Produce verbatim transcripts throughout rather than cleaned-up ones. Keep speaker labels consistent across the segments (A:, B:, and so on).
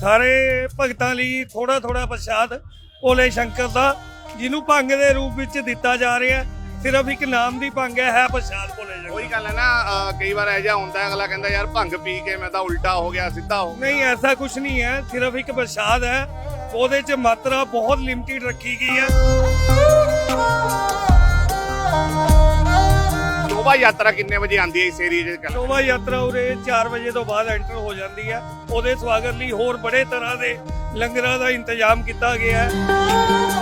A: ਸਾਰੇ ਭਗਤਾਂ ਲਈ ਥੋੜਾ ਥੋੜਾ ਪ੍ਰਸ਼ਾਦ ਭੋਲੇ ਸ਼ੰਕਰ ਦਾ, ਜਿਹਨੂੰ ਭੰਗ ਦੇ ਰੂਪ ਵਿੱਚ ਦਿੱਤਾ ਜਾ ਰਿਹਾ ਹੈ। ਸਿਰਫ ਇੱਕ ਨਾਮ ਦੀ ਭੰਗ ਹੈ, ਹੈ ਪ੍ਰਸ਼ਾਦ ਭੋਲੇ ਸ਼ੰਕਰ।
B: ਉਹੀ ਗੱਲ ਹੈ ਨਾ, ਅਹ ਕਈ ਵਾਰ ਐਜਾ ਹੁੰਦਾ ਹੈ, ਅਗਲਾ ਕਹਿੰਦਾ ਯਾਰ ਭੰਗ ਪੀ ਕੇ ਮੈਂ ਤਾਂ ਉਲਟਾ ਹੋ ਗਿਆ, ਸਿੱਧਾ ਹੋ ਗਿਆ।
A: ਨਹੀਂ, ਐਸਾ ਕੁਝ ਨਹੀਂ ਹੈ, ਸਿਰਫ ਇੱਕ ਪ੍ਰਸ਼ਾਦ ਹੈ। ਉਹਦੇ 'ਚ ਮਾਤਰਾ ਬਹੁਤ ਲਿਮਟਿਡ ਰੱਖੀ ਗਈ ਹੈ।
B: ਸ਼ੋਭਾ ਯਾਤਰਾ ਕਿੰਨੇ ਵਜੇ ਆਉਂਦੀ ਹੈ ਇਸ ਏਰੀਏ 'ਚ?
A: ਸ਼ੋਭਾ ਯਾਤਰਾ ਉਰੇ ਚਾਰ ਵਜੇ ਤੋਂ ਬਾਅਦ ਐਂਟਰ ਹੋ ਜਾਂਦੀ ਹੈ। ਉਹਦੇ ਸਵਾਗਤ ਲਈ ਹੋਰ ਬੜੇ ਤਰ੍ਹਾਂ ਦੇ ਲੰਗਰਾਂ ਦਾ ਇੰਤਜ਼ਾਮ ਕੀਤਾ ਗਿਆ ਹੈ।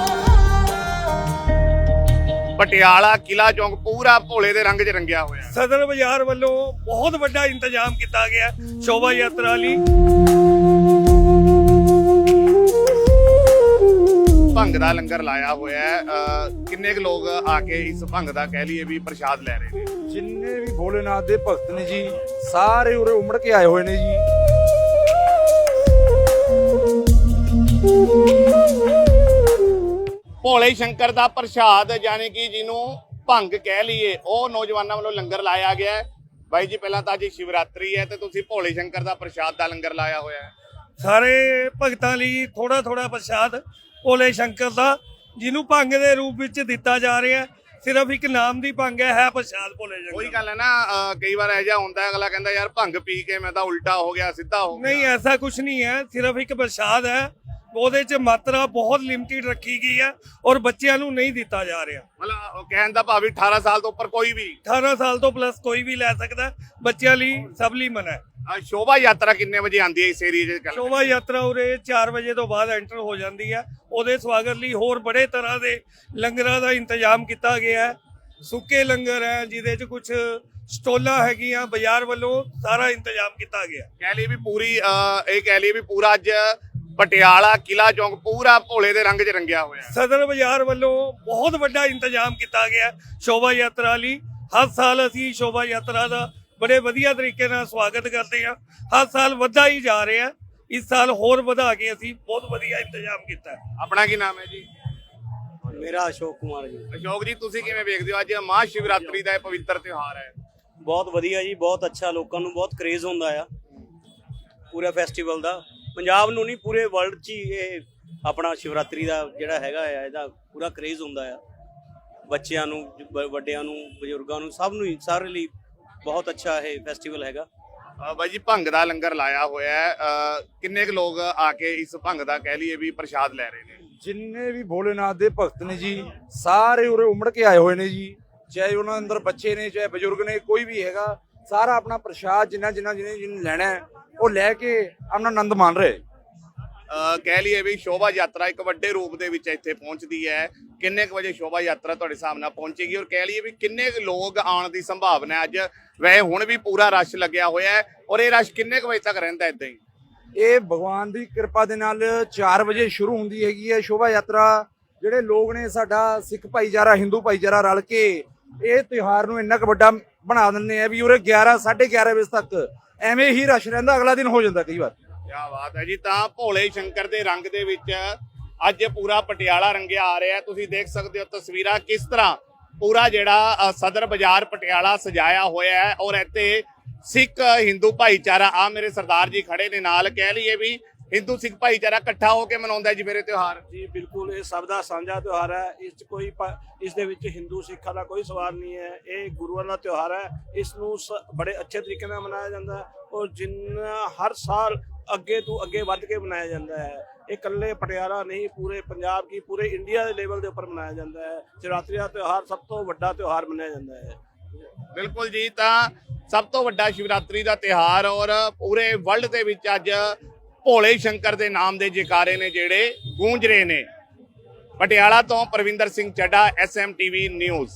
B: ਪਟਿਆਲਾ ਕਿਲਾ ਚੌਂਕ ਪੂਰਾ ਭੋਲੇ ਦੇ ਰੰਗ 'ਚ ਰੰਗਿਆ ਹੋਇਆ ਹੈ।
A: ਸਦਰ ਬਾਜ਼ਾਰ ਵੱਲੋਂ ਬਹੁਤ ਵੱਡਾ ਇੰਤਜ਼ਾਮ ਕੀਤਾ ਗਿਆ ਸ਼ੋਭਾ ਯਾਤਰਾ ਲਈ।
B: ਭੰਗ ਦਾ ਲੰਗਰ ਲਾਇਆ ਹੋਇਆ ਹੈ। ਅਹ ਕਿੰਨੇ ਕੁ ਲੋਕ ਆ ਕੇ ਇਸ ਭੰਗ ਦਾ ਕਹਿ ਲਈਏ ਵੀ ਪ੍ਰਸ਼ਾਦ ਲੈ ਰਹੇ ਨੇ?
C: ਜਿੰਨੇ ਵੀ ਭੋਲੇਨਾਥ ਦੇ ਭਗਤ ਨੇ ਜੀ, ਸਾਰੇ ਉਰੇ ਉਮੜ ਕੇ ਆਏ ਹੋਏ ਨੇ ਜੀ।
B: ਭੋਲੇ ਸ਼ੰਕਰ ਦਾ ਪ੍ਰਸ਼ਾਦ ਯਾਨੀ ਕਿ ਜਿਹਨੂੰ ਭੰਗ ਕਹਿ ਲਈਏ, ਉਹ ਨੌਜਵਾਨਾਂ ਵੱਲੋਂ ਲੰਗਰ ਲਾਇਆ ਗਿਆ ਹੈ। ਬਾਈ ਜੀ, ਪਹਿਲਾਂ ਤਾਂ ਅੱਜ ਸ਼ਿਵਰਾਤਰੀ ਹੈ ਤੇ ਤੁਸੀਂ ਭੋਲੇ ਸ਼ੰਕਰ ਦਾ ਪ੍ਰਸ਼ਾਦ ਦਾ ਲੰਗਰ ਲਾਇਆ ਹੋਇਆ ਹੈ।
A: ਸਾਰੇ ਭਗਤਾਂ ਲਈ ਥੋੜਾ ਥੋੜਾ ਪ੍ਰਸ਼ਾਦ ਭੋਲੇ ਸ਼ੰਕਰ ਦਾ, ਜਿਹਨੂੰ ਭੰਗ ਦੇ ਰੂਪ ਵਿੱਚ ਦਿੱਤਾ ਜਾ ਰਿਹਾ ਹੈ। ਸਿਰਫ ਇੱਕ ਨਾਮ ਦੀ ਭੰਗ ਹੈ, ਹੈ ਪ੍ਰਸ਼ਾਦ ਭੋਲੇ ਸ਼ੰਕਰ।
B: ਉਹੀ ਗੱਲ ਹੈ ਨਾ, ਅਹ ਕਈ ਵਾਰ ਐਜਾ ਹੁੰਦਾ ਹੈ, ਅਗਲਾ ਕਹਿੰਦਾ ਯਾਰ ਭੰਗ ਪੀ ਕੇ ਮੈਂ ਤਾਂ ਉਲਟਾ ਹੋ ਗਿਆ, ਸਿੱਧਾ ਹੋ ਗਿਆ।
A: ਨਹੀਂ, ਐਸਾ ਕੁਝ ਨਹੀਂ ਹੈ, ਸਿਰਫ ਇੱਕ ਪ੍ਰਸ਼ਾਦ ਹੈ। ਉਹਦੇ 'ਚ ਮਾਤਰਾ ਬਹੁਤ ਲਿਮਟਿਡ ਰੱਖੀ ਗਈ ਹੈ ਔਰ ਬੱਚਿਆਂ ਨੂੰ ਨਹੀਂ ਦਿੱਤਾ ਜਾ ਰਿਹਾ।
B: ਮਤਲਬ ਉਹ ਕਹਿਣ ਦਾ ਭਾਵ ਵੀ ਅਠਾਰਾਂ ਸਾਲ ਤੋਂ ਉੱਪਰ ਕੋਈ ਵੀ
A: ਅਠਾਰਾਂ ਸਾਲ ਤੋਂ ਪਲੱਸ ਕੋਈ ਵੀ ਲੈ ਸਕਦਾ, ਬੱਚਿਆਂ ਲਈ ਸਭ ਲਈ ਮਨਾ ਹੈ।
B: ਅਹ ਸ਼ੋਭਾ ਯਾਤਰਾ ਕਿੰਨੇ ਵਜੇ ਆਉਂਦੀ ਹੈ ਇਸ ਏਰੀਏ 'ਚ?
A: ਸ਼ੋਭਾ ਯਾਤਰਾ ਉਰੇ ਚਾਰ ਵਜੇ ਤੋਂ ਬਾਅਦ ਐਂਟਰ ਹੋ ਜਾਂਦੀ ਹੈ। ਉਹਦੇ ਸਵਾਗਤ ਲਈ ਹੋਰ ਬੜੇ ਤਰ੍ਹਾਂ ਦੇ ਲੰਗਰਾਂ ਦਾ ਇੰਤਜ਼ਾਮ ਕੀਤਾ ਗਿਆ ਹੈ। ਸੁੱਕੇ ਲੰਗਰ ਹੈ, ਜਿਹਦੇ 'ਚ ਕੁਝ ਸਟੋਲਾਂ ਹੈਗੀਆਂ, ਬਾਜ਼ਾਰ ਵੱਲੋਂ ਸਾਰਾ ਇੰਤਜ਼ਾਮ ਕੀਤਾ ਗਿਆ।
B: ਕਹਿ ਲਈ ਵੀ ਪੂਰੀ ਅਹ ਇਹ ਕਹਿ ਲਈ ਵੀ ਪੂਰਾ ਅੱਜ ਪਟਿਆਲਾ ਕਿਲਾ ਚੌਂਕ ਪੂਰਾ ਭੋਲੇ ਦੇ ਰੰਗ 'ਚ ਰੰਗਿਆ ਹੋਇਆ ਹੈ।
A: ਸਦਰ ਬਾਜ਼ਾਰ ਵੱਲੋਂ ਬਹੁਤ ਵੱਡਾ ਇੰਤਜ਼ਾਮ ਕੀਤਾ ਗਿਆ ਸ਼ੋਭਾ ਯਾਤਰਾ ਲਈ। ਹਰ ਸਾਲ ਅਸੀਂ ਸ਼ੋਭਾ ਯਾਤਰਾ ਦਾ ਬੜੇ ਵਧੀਆ ਤਰੀਕੇ ਨਾਲ ਸਵਾਗਤ ਕਰਦੇ ਹਾਂ। ਹਰ ਸਾਲ ਵੱਧਦਾ ਹੀ ਜਾ ਰਿਹਾ। ਇਸ ਸਾਲ ਹੋਰ ਵਧਾ ਕੇ ਅਸੀਂ ਬਹੁਤ ਵਧੀਆ ਇੰਤਜ਼ਾਮ ਕੀਤਾ।
B: ਆਪਣਾ ਕੀ ਨਾਮ ਹੈ ਜੀ?
D: ਮੇਰਾ ਅਸ਼ੋਕ ਕੁਮਾਰ ਜੀ।
B: ਅਸ਼ੋਕ ਜੀ, ਤੁਸੀਂ ਕਿਵੇਂ ਵੇਖਦੇ ਹੋ ਅੱਜ ਮਹਾਂ ਸ਼ਿਵਰਾਤਰੀ ਦਾ ਇਹ ਪਵਿੱਤਰ ਤਿਉਹਾਰ ਹੈ?
D: ਬਹੁਤ ਵਧੀਆ ਜੀ, ਬਹੁਤ ਅੱਛਾ। ਲੋਕਾਂ ਨੂੰ ਬਹੁਤ ਕਰੇਜ਼ ਹੁੰਦਾ ਆ ਪੂਰਾ ਫੈਸਟੀਵਲ ਦਾ। ਪੰਜਾਬ ਨੂੰ ਨਹੀਂ, ਪੂਰੇ ਵਰਲਡ 'ਚ ਹੀ ਇਹ ਆਪਣਾ ਸ਼ਿਵਰਾਤਰੀ ਦਾ ਜਿਹੜਾ ਹੈਗਾ ਆ, ਇਹਦਾ ਪੂਰਾ ਕਰੇਜ਼ ਹੁੰਦਾ ਆ। ਬੱਚਿਆਂ ਨੂੰ, ਬ- ਵੱਡਿਆਂ ਨੂੰ, ਬਜ਼ੁਰਗਾਂ ਨੂੰ, ਸਭ ਨੂੰ ਹੀ, ਸਾਰੇ ਲਈ ਬਹੁਤ ਅੱਛਾ ਇਹ ਫੈਸਟੀਵਲ ਹੈਗਾ।
B: ਅਹ ਬਾਈ ਜੀ, ਭੰਗ ਦਾ ਲੰਗਰ ਲਾਇਆ ਹੋਇਆ ਹੈ। ਅਹ ਕਿੰਨੇ ਕੁ ਲੋਕ ਆ ਕੇ ਇਸ ਭੰਗ ਦਾ ਕਹਿ ਲਈਏ ਵੀ ਪ੍ਰਸ਼ਾਦ ਲੈ ਰਹੇ ਨੇ?
C: ਜਿੰਨੇ ਵੀ ਭੋਲੇਨਾਥ ਦੇ ਭਗਤ ਨੇ ਜੀ, ਸਾਰੇ ਉਰੇ ਉਮੜ ਕੇ ਆਏ ਹੋਏ ਨੇ ਜੀ। ਚਾਹੇ ਉਹਨਾਂ ਅੰਦਰ ਬੱਚੇ ਨੇ, ਚਾਹੇ ਬਜ਼ੁਰਗ ਨੇ, ਕੋਈ ਵੀ ਹੈਗਾ, ਸਾਰਾ ਆਪਣਾ ਪ੍ਰਸ਼ਾਦ ਜਿੰਨਾ ਜਿੰਨਾ ਜਿਹਨੇ ਜਿਹਨੇ ਲੈਣਾ ਹੈ ਉਹ ਲੈ ਕੇ ਆਪਣਾ ਆਨੰਦ ਮਾਣ ਰਹੇ।
B: ਅਹ ਕਹਿ ਲਈਏ ਵੀ ਸ਼ੋਭਾ ਯਾਤਰਾ ਇੱਕ ਵੱਡੇ ਰੂਪ ਦੇ ਵਿੱਚ ਇੱਥੇ ਪਹੁੰਚਦੀ ਹੈ। ਕਿੰਨੇ ਕੁ ਵਜੇ ਸ਼ੋਭਾ ਯਾਤਰਾ ਤੁਹਾਡੇ ਹਿਸਾਬ ਨਾਲ ਪਹੁੰਚੇਗੀ, ਔਰ ਕਹਿ ਲਈਏ ਵੀ ਕਿੰਨੇ ਕੁ ਲੋਕ ਆਉਣ ਦੀ ਸੰਭਾਵਨਾ ਹੈ? ਅੱਜ ਵੈਸੇ ਹੁਣ ਵੀ ਪੂਰਾ ਰਸ਼ ਲੱਗਿਆ ਹੋਇਆ ਹੈ, ਔਰ ਇਹ ਰਸ਼ ਕਿੰਨੇ ਕੁ ਵਜੇ ਤੱਕ ਰਹਿੰਦਾ ਇਦਾਂ ਹੀ?
C: ਇਹ ਭਗਵਾਨ ਦੀ ਕਿਰਪਾ ਦੇ ਨਾਲ ਚਾਰ ਵਜੇ ਸ਼ੁਰੂ ਹੁੰਦੀ ਹੈਗੀ ਹੈ ਸ਼ੋਭਾ ਯਾਤਰਾ। ਜਿਹੜੇ ਲੋਕ ਨੇ, ਸਾਡਾ ਸਿੱਖ ਭਾਈਚਾਰਾ, ਹਿੰਦੂ ਭਾਈਚਾਰਾ ਰਲ ਕੇ ਇਹ ਤਿਉਹਾਰ ਨੂੰ ਇੰਨਾ ਕੁ ਵੱਡਾ ਬਣਾ ਦਿੰਦੇ ਆ ਵੀ ਉਰੇ ਗਿਆਰਾਂ ਸਾਢੇ ਗਿਆਰਾਂ ਵਜੇ ਤੱਕ ਐਵੇਂ ਹੀ ਰਸ਼ ਰਹਿੰਦਾ। ਅਗਲਾ ਦਿਨ ਹੋ ਜਾਂਦਾ ਕਈ ਵਾਰ।
B: ਕਿਆ ਬਾਤ ਹੈ ਜੀ। ਤਾਂ ਭੋਲੇ ਸ਼ੰਕਰ ਦੇ ਰੰਗ ਦੇ ਵਿੱਚ ਅੱਜ ਪੂਰਾ ਪਟਿਆਲਾ ਰੰਗਿਆ ਆ ਰਿਹਾ। ਤੁਸੀਂ ਦੇਖ ਸਕਦੇ ਹੋ ਤਸਵੀਰਾਂ ਕਿਸ ਤਰ੍ਹਾਂ ਪੂਰਾ ਜਿਹੜਾ ਅ, ਸਦਰ ਬਾਜ਼ਾਰ ਪਟਿਆਲਾ ਸਜਾਇਆ ਹੋਇਆ ਹੈ, ਔਰ ਇੱਥੇ ਸਿੱਖ ਹਿੰਦੂ ਭਾਈਚਾਰਾ, ਆ ਮੇਰੇ ਸਰਦਾਰ ਜੀ ਖੜੇ ਨੇ ਨਾਲ, ਕਹਿ ਲਈਏ ਵੀ ਹਿੰਦੂ ਸਿੱਖ ਭਾਈਚਾਰਾ ਇਕੱਠਾ ਹੋ ਕੇ ਮਨਾਉਂਦਾ ਜੀ ਮੇਰੇ ਤਿਉਹਾਰ।
E: ਜੀ ਬਿਲਕੁਲ, ਇਹ ਸਭ ਦਾ ਸਾਂਝਾ ਤਿਉਹਾਰ ਹੈ। ਇਸ 'ਚ ਕੋਈ ਪ- ਇਸ ਦੇ ਵਿੱਚ ਹਿੰਦੂ ਸਿੱਖਾਂ ਦਾ ਕੋਈ ਸਵਾਲ ਨਹੀਂ ਹੈ। ਇਹ ਗੁਰੂਆਂ ਦਾ ਤਿਉਹਾਰ ਹੈ। ਇਸ ਨੂੰ ਸ- ਬੜੇ ਅੱਛੇ ਤਰੀਕੇ ਨਾਲ ਮਨਾਇਆ ਜਾਂਦਾ ਹੈ, ਔਰ ਜਿੰਨਾ ਹਰ ਸਾਲ ਅੱਗੇ ਤੋਂ ਅੱਗੇ ਵੱਧ ਕੇ ਮਨਾਇਆ ਜਾਂਦਾ ਹੈ। ਇਹ ਇਕੱਲੇ ਪਟਿਆਲਾ ਨਹੀਂ, ਪੂਰੇ ਪੰਜਾਬ ਕੀ, ਪੂਰੇ ਇੰਡੀਆ ਦੇ ਲੈਵਲ ਦੇ ਉੱਪਰ ਮਨਾਇਆ ਜਾਂਦਾ ਹੈ। ਸ਼ਿਵਰਾਤਰੀ ਦਾ ਤਿਉਹਾਰ ਸਭ ਤੋਂ ਵੱਡਾ ਤਿਉਹਾਰ ਮੰਨਿਆ ਜਾਂਦਾ ਹੈ।
B: ਬਿਲਕੁਲ ਜੀ, ਤਾਂ ਸਭ ਤੋਂ ਵੱਡਾ ਸ਼ਿਵਰਾਤਰੀ ਦਾ ਤਿਉਹਾਰ, ਔਰ ਪੂਰੇ ਵਰਲਡ ਦੇ ਵਿੱਚ ਅੱਜ ਭੋਲੇ ਸ਼ੰਕਰ ਦੇ ਨਾਮ ਦੇ ਜੈਕਾਰੇ ਨੇ ਜਿਹੜੇ ਗੂੰਜ ਰਹੇ ਨੇ। ਪਟਿਆਲਾ ਤੋਂ Parvinder Singh Chadha, S M T V news.